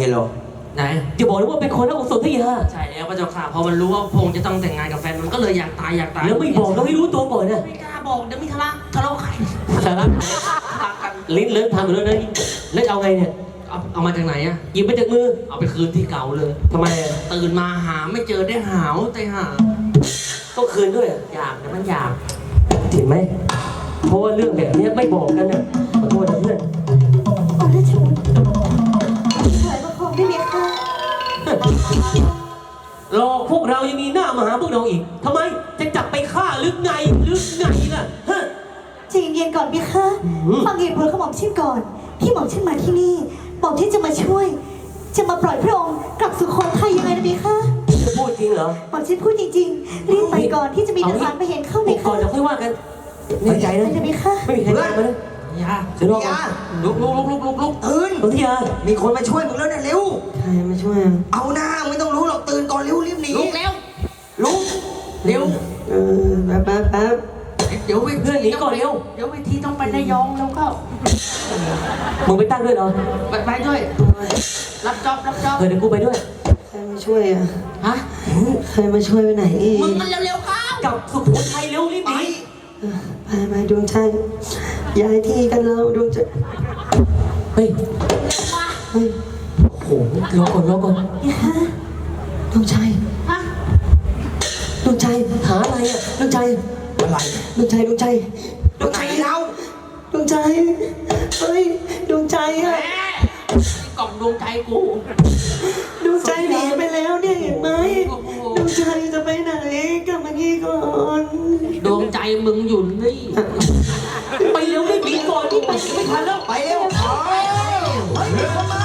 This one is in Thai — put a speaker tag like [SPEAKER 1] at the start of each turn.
[SPEAKER 1] เหรอ
[SPEAKER 2] ไหน
[SPEAKER 3] จะบอกเลยว่าเป็นคนรักองค์สนธยา
[SPEAKER 2] ใช่แล้วพระเจ้าค่ะพอมันรู้ว่าพงษ์จะต้องแต่งงานกับแฟนมันก็เลยอยากตาย
[SPEAKER 3] แล้วไม่บอกเราให้รู้ตัวก่อนนะ
[SPEAKER 2] ไม่กล้าบอกเดี๋ยวมีทะเลาะกัน
[SPEAKER 3] สาระ
[SPEAKER 2] กัน
[SPEAKER 3] ลิ้นเลิ้นทำอยู่แล้วนะแล้วเอาไงเนี่ย
[SPEAKER 2] เอามาจากไหนอะ
[SPEAKER 3] หยิบมาจากมือ
[SPEAKER 2] เอาไปคืนที่เก่าเลย
[SPEAKER 3] ทำไม
[SPEAKER 2] ตื่นมาหาไม่เจอได้หาวแต่หา
[SPEAKER 3] ต้องคืนด้วย
[SPEAKER 2] อยากนะมันอยาก
[SPEAKER 3] เห็นไหมเพราะว่าเรื่องแบบนี้ไม่บอกกันน่ะขอโทษนะเพื่อน
[SPEAKER 4] ขอราชบุตรถอยประคองได้ไหมคะ
[SPEAKER 3] รอพวกเรายังมีหน้ามาหาพวกเราอีกทำไมจะจับไปฆ่าหรือไงล่ะฮะ
[SPEAKER 4] ใจเย็นๆก่อนพี่คะฟังเหตุผลของหม่อมชิดก่อนที่หม่อมชิดมาที่นี่บอกที่จะมาช่วย จะมาปล่อยพระองค์กลับสุโขทัยยังไงนะพี่คะ
[SPEAKER 3] จะพูดจริงเหรอ
[SPEAKER 4] หม่อมชิดพูดจริงๆรีบไปก่อนที่จะมีทหารไปเห็นเข้าไหม
[SPEAKER 3] ก่อ
[SPEAKER 4] คะ
[SPEAKER 3] นเดี๋ยวค่อยว่ากันแน่ใจนะ
[SPEAKER 4] ไปพี่คะ
[SPEAKER 3] ไม่มีใครตามมานะ
[SPEAKER 2] ยา
[SPEAKER 3] เดี๋ยวรอก่อน
[SPEAKER 2] ลุก
[SPEAKER 1] ตื่น
[SPEAKER 3] สนธยา
[SPEAKER 1] มีคนมาช่วยมึงแล้วเนี่ยเร็ว
[SPEAKER 2] ใครมาช่วย
[SPEAKER 1] เอาหน้าไม่ต้องรู้หรอกตื่นก่อนเร็วรีบหนี
[SPEAKER 2] ลุกแล้ว
[SPEAKER 1] ลุก
[SPEAKER 2] เร็ว
[SPEAKER 3] แป๊บ
[SPEAKER 2] เดี๋ยวไป
[SPEAKER 3] เพื่อนหนีก่อนเร็ว
[SPEAKER 2] เดี๋ยวไปทีต้องไประยองแล้วก็
[SPEAKER 3] มึงไปตั้งด้วยเหรอ
[SPEAKER 2] ไปด้วยรับจ็อบ
[SPEAKER 3] เดี๋ยวกูไปด้วย
[SPEAKER 5] ใครมาช่วยอ่ะ
[SPEAKER 2] ฮะ
[SPEAKER 5] ใครมาช่วยไปไหนอีก
[SPEAKER 2] มึงมันเร็วๆเข้าก
[SPEAKER 3] ลับสุโขทัยเร็วรีบหนี
[SPEAKER 5] ไปดวงใจย้ายที่กันแล้วดวงใจ
[SPEAKER 3] เฮ้ย
[SPEAKER 5] เฮ้ย
[SPEAKER 3] โอ้โหรอก่อน
[SPEAKER 5] ดวงใจ
[SPEAKER 2] ฮะ
[SPEAKER 5] ดวงใจ
[SPEAKER 3] หาอะไรอ่ะ
[SPEAKER 5] ดวงใจ
[SPEAKER 1] อะไร
[SPEAKER 5] ดวงใจดวงใจ
[SPEAKER 1] ตรงไหนเรา
[SPEAKER 5] ดวงใจเฮ้ยดวงใจ
[SPEAKER 2] แหม
[SPEAKER 5] อ่ะ
[SPEAKER 2] กล่องดวงใจกู
[SPEAKER 5] ดวงใจหนีไปแล้วเนี่ยเห็นไหมดวงใจจะไปไหนกลับมานี่ก่อน
[SPEAKER 2] ดวงใจมึงอยู่นี่
[SPEAKER 3] ไปเร็วรีบหนีก่อนนี่ไปไม่ทันแล้ว
[SPEAKER 1] ไปเร็วเฮ้ยมีคนมา